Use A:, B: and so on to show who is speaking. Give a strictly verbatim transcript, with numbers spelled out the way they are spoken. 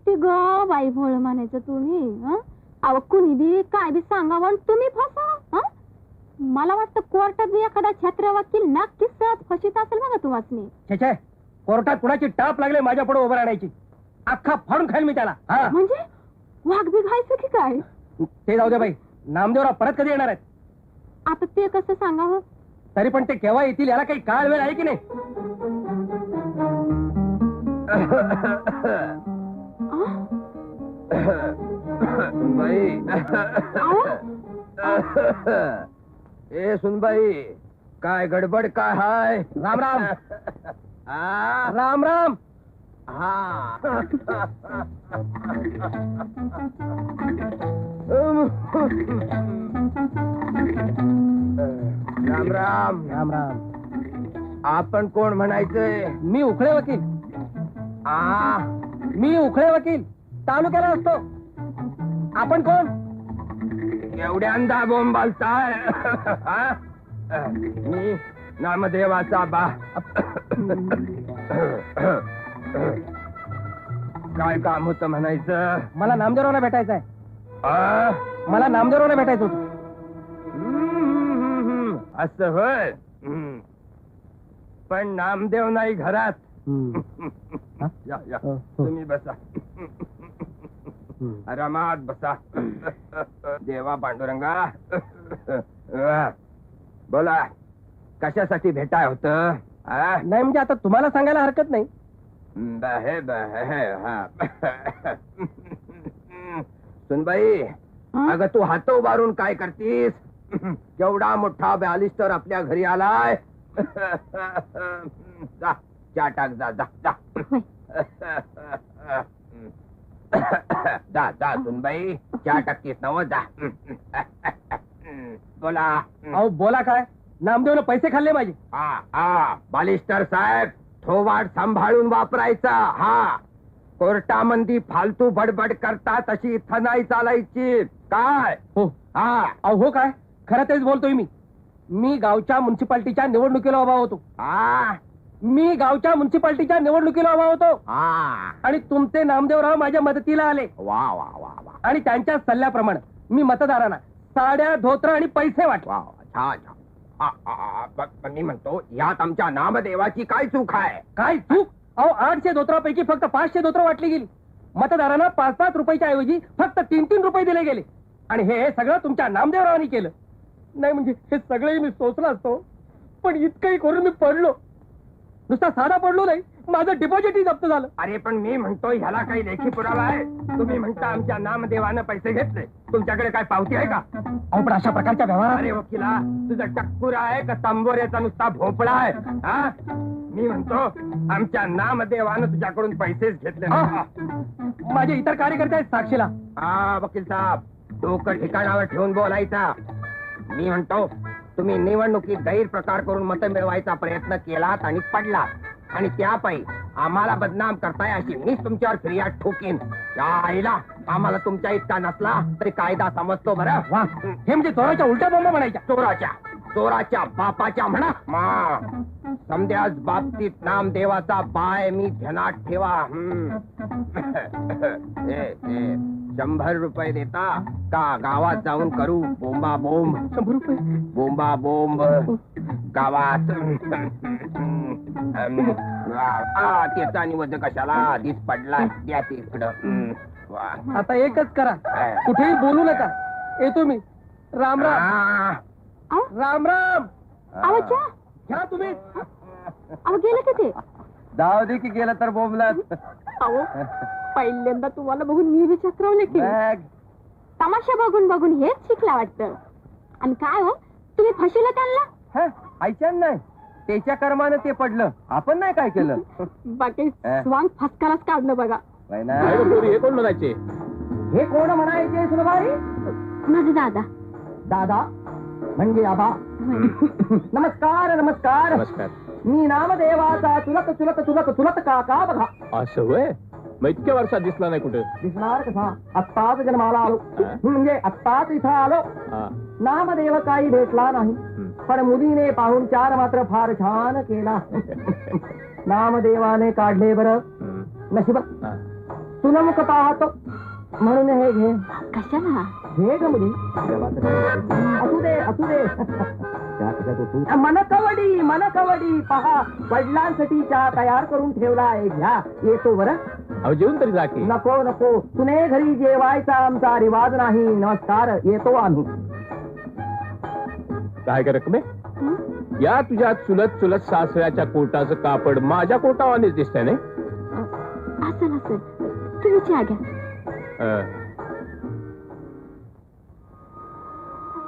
A: ते ग बाई भोळ म्हणायचं तुम्ही हं? अहो कुणी बी काय बी सांगा म्हणून तुम्ही फसा हं? मला वाटतं कोर्टात बी एखादा छत्र वकील नक्कीच सहज फशीत असेल बघा तुम्हाला.
B: छे छे, कोर्टात कुणाची टाप लागले माझ्या पुढे उभं राहण्याची. अख्खा फाडून खाईल मी त्याला. हा
A: म्हणजे वाघ बी घायचं की काय?
B: ते जाऊ दे बाई, नामदेवराव परत कधी येणार आहेत?
A: आता ते कसं सांगावं?
B: तरी पण ते केव्हा येतील याला काही काळ वेळ आहे की नाही?
C: सुनबाई, ए सुनबाई, काय गडबड काय हाय?
B: राम राम.
C: हा
B: राम राम.
C: हा राम राम.
B: राम राम.
C: आपण कोण म्हणायचंय?
B: मी उखळे वकील.
C: आ
B: मी उखळे वकील, तालुक्याला असतो. आपण कोण?
C: एवढ्यांदा बोंबालताय? हा? मी नामदेवाचा बा. काय काम होतं म्हणायचं?
B: मला नामदेवरावला भेटायचं आहे.
C: आ?
B: मला नामदेवरावला भेटायचं होतं.
C: हम्म, असं होय. हम्म. पण नामदेव नाही घरात.
B: हा?
C: या या
B: हो, हो.
C: तुम्ही बसा. आरामात बसा. देवा पांडुरंगा. बोला, कशासाठी भेटाय होत?
B: नाही म्हणजे आता तुम्हाला सांगायला हरकत नाही.
C: बहे बहे हा. सुनबाई, अगं तू हात उभारून काय करतीस? केवढा मोठा बॅलिस्टर आपल्या घरी आलाय. जा चहा टाक. जा जा जा जा जा सुनबाई, चहा टाकतीस नव. जा. बोला.
B: अहो बोला काय? नामदेवनं पैसे खाल्ले माझे.
C: हा हा बालिस्टर साहेब, थोवाड सांभाळून वापरायचा. हा, कोर्टामंदी फालतू बडबड करता तशी इथं नाही चालायची. काय?
B: हो.
C: हा.
B: अहो हो काय, खरं तेच बोलतोय मी. मी गावच्या म्युन्सिपाल्टीच्या निवडणुकीला उभा होतो.
C: हा
B: मी गावच्या म्युन्सिपाल्टीच्या निवडणुकीला उभा होतो.
C: हा.
B: आणि तुमचे नामदेवराव माझ्या मदतीला आले.
C: वा वा वा वा.
B: आणि त्यांच्या सल्ल्याप्रमाणे मी मतदारांना साड्या, धोत्र आणि पैसे वाटले.
C: वा वा. छान छान. आ, आ, आ, ब- ब- मी म्हणतो, यात आमच्या नामदेवाची काय चूक आहे?
B: काय चूक? अहो आठशे धोत्रापैकी फक्त पाचशे धोत्र वाटली गेली. मतदारांना पाच पाच रुपयाच्या ऐवजी फक्त तीन तीन रुपये दिले गेले. आणि हे सगळं तुमच्या नामदेवरावांनी केलं. नाही म्हणजे हे सगळंही मी सोचलं असतो, पण इतकंही करून मी पडलो. नुसता साधा पडलो नाही, माझं डिपॉझिटही जप्त झालं.
C: अरे पण मी म्हणतो, ह्याला काही लेखी पुरावा आहे? तुम्ही म्हणता आमच्या नामदेवानं पैसे घेतले, तुमच्याकडे काय पावती आहे का?
B: अहो पण अशा प्रकारच्या व्यवहारात
C: अरे वकिला, तुझा टक्कुरा आहे का तांबोऱ्याचा नुसता भोपळा आहे? हा? मी म्हणतो, आमच्या नामदेवानं तुझ्याकडून पैसेच घेतले नाही.
B: माझे इतर कार्यकर्ते आहेत साक्षीला.
C: हा वकील साहेब, डोकं ठिकाणावर ठेवून बोलायचा. मी म्हणतो, तुम्ही निवडणुकीत गैरप्रकार करून मतं मिळवायचा प्रयत्न केलात आणि पडलात, आणि त्यापायी आम्हाला बदनाम करताय अशी मीच तुमच्यावर फिर्याद ठोकीन. या आईला आम्हाला तुमच्या इतका नसला तरी कायदा समजतो बरं.
B: वा, हे म्हणजे चोराच्या उलट्या बोंबा म्हणायच्या.
C: चोराच्या चोराच्या बापाच्या म्हणा. मा समद्याच बाबतीत नामदेवाचा बाय मी ध्यानात ठेवा. हम्म. ए, ए, शंभर रुपये देता का गावात जाऊन करू बोंबा बोंब?
B: शंभर रुपये
C: बोंबा बोंब गावात. आ, त्याचा निवड कशाला दिस पडला. द्या ते इकडं. हम्म. वा.
B: आता एकच करा, कुठेही बोलू नका. येतो मी. राम राम.
C: आ,
B: राम राम.
A: अहो चहा.
B: घ्या तुम्ही.
A: अहो गेलं का ते?
C: जाऊ दे की गेलं तर बोंबलात.
A: अहो पहिल्यांदा तुम्हाला बघून मी बी चक्रवले की. तमाशा बघून बघून हेच शिकला वाटतं. आणि काय हो, तुम्ही फशीला त्यांना?
C: ऐच्यान नाही, त्याच्या कर्मानं ते पडलं, आपण नाही काय केलं.
A: बाकी स्वांग फसकालाच काढलं बघा.
C: हे कोण म्हणायचे?
B: हे कोण म्हणायचे सुनबाई?
A: माझे दादा.
B: दादा म्हणजे आबा. नमस्कार नमस्कार.
C: नमस्कार.
B: मी नामदेवाचा चुलत चुलत चुलत चुलत काका बघा.
C: असं होय? मग इतक्या वर्षात दिसला नाही कुठे?
B: दिसणार कसा? आत्ताच जन्माला आलो, म्हणजे आत्ताच इथं आलो. नामदेव काही भेटला नाही, पण मुलीने पाहुणचार मात्र फार छान केला. नामदेवाने काढले बरं नशीब.
C: तुला मुख पाहतो म्हणून हे घे
A: कशाला
C: घे ग मुली असू दे असू दे मन कवडी मन कवडी पहा वडिलांसाठी चहा तयार करून ठेवलाय घ्या येतो बरं
B: अहो जेवून तरी जा की.
C: नको नको तुने घरी जेवायचा आमचा रिवाज नाही नमस्कार येतो आम्ही
B: काय का रकमे
A: हं?
B: या तुझ्या चुलत चुलत सासऱ्याच्या कोटाचं कापड माझ्या कोटावानेच दिसतंय नाही
A: असेल असेल तुम्ही चहा घ्या
B: अं,